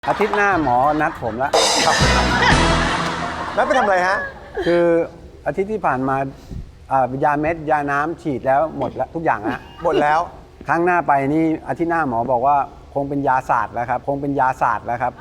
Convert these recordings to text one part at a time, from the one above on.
อาทิตย์หน้าหมอนัดผมแล้วนัดไปทำอะไรฮะคืออาทิตย์ที่ผ่านมายาเม็ดยาน้ำฉีดแล้วหมดแล้วทุกอย่างฮะหมดแล้วครั้งหน้าไปนี่อาทิตย์หน้าหมอบอกว่าคงเป็นยาศาสตร์แล้วครับคงเป็นยาศาสตร์แล้วครับ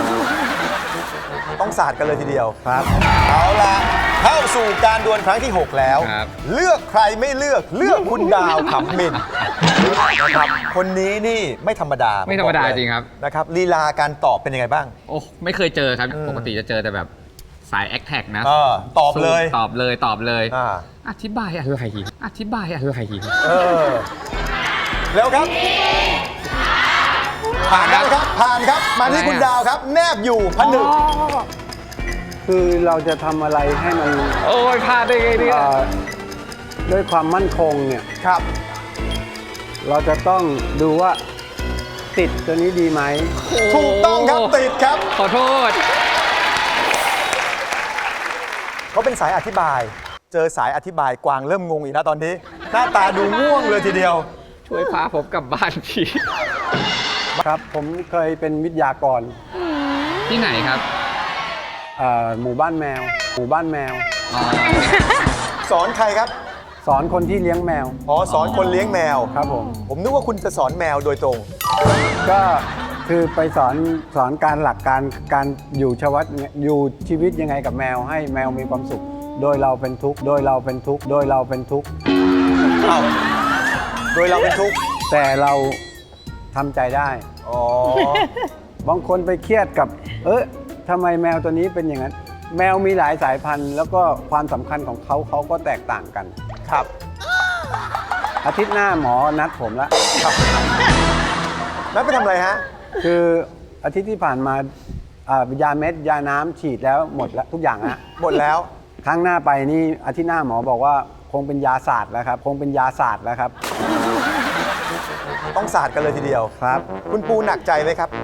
ต้องศาสตร์กันเลยทีเดียวครับเอาละเข้าสู่การดวลครั้งที่ 6 แล้วครับเลือกใครไม่เลือกเลือกคุณดาวขำมินนะครับคนนี้นี่ไม่ธรรมดาไม่ธรรมดาผบอกเลยจริงครับนะครับลีลาการตอบเป็นยังไงบ้างโอ้ไม่เคยเจอครับ ปกติจะเจอแต่แบบสายแอคแท็กนะตอบเลยตอบเลยตอบเลยอ่าอธิบายอะไรอธิบายอะไรเออเร็วครับ ผ่านแล้วครับผ่านครับมาที่คุณดาวครับ แนบอยู่ผนึกคือเราจะทำอะไรให้มันโอ้ยพลาดได้ไงเนี่ยด้วยความมั่นคงเนี่ยครับเราจะต้องดูว่าติดตัวนี้ดีไหมถูกต้องครับติดครับขอโทษเขาเป็นสายอธิบาย เจอสายอธิบายกวางเริ่มงงอีกแล้วตอนนี้ หน้าตาดูง่วงเลยทีเดียวช่วยพาผมกลับบ้านทีครับผมเคยเป็นวิทยากรที่ไหนครับหมู่บ้านแมว หมู่บ้านแมวอ๋อสอนใครครับสอนคนที่เลี้ยงแมวอ๋อสอนคนเลี้ยงแมวครับผมผมนึกว่าคุณจะสอนแมวโดยตรงก็คือไปสอนการหลักการอยู่อยู่ชีวิตยังไงกับแมวให้แมวมีความสุข โดยเราเป็นทุกข์โดยเราเป็นทุกข์โดยเราเป็นทุกข์อ้าวโดยเราเป็นทุกข์แต่เราทำใจได้อ๋อบางคนไปเครียดกับทำไมแมวตัวนี้เป็นอย่างนั้น แมวมีหลายสายพันธุ์ แล้วก็ความสำคัญของเขาก็แตกต่างกันครับอาทิตย์หน้าหมอนัดผมแล้วนัดไปทำอะไรฮะคืออาทิตย์ที่ผ่านมายาเม็ดยาน้ำฉีดแล้วหมดแล้วทุกอย่างฮะหมดแล้วครั้งหน้าไปนี่อาทิตย์หน้าหมอบอกว่าคงเป็นยาศาสตร์แล้วครับคงเป็นยาศาสตร์แล้วครับต้องศาสตร์กันเลยทีเดียวครับคุณปูหนักใจไหมครับ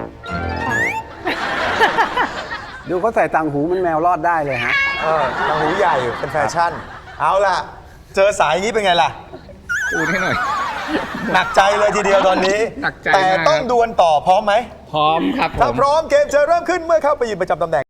ดูเขาใส่ต่างหูมันแมวรอดได้เลยฮะต่างหูใหญ่เป็นแฟชั่น เอาล่ะ เจอสายอย่างนี้เป็นไงล่ะพูดให้หน่อยหนักใจเลยทีเดียวตอนนี้หนักใจแต่มากต้องดวลต่อพร้อมไหมพร้อมครับผถ้าม พร้อมเกมจะเริ่มขึ้นเมื่อเข้าไปยืนประจำตำแหน่ง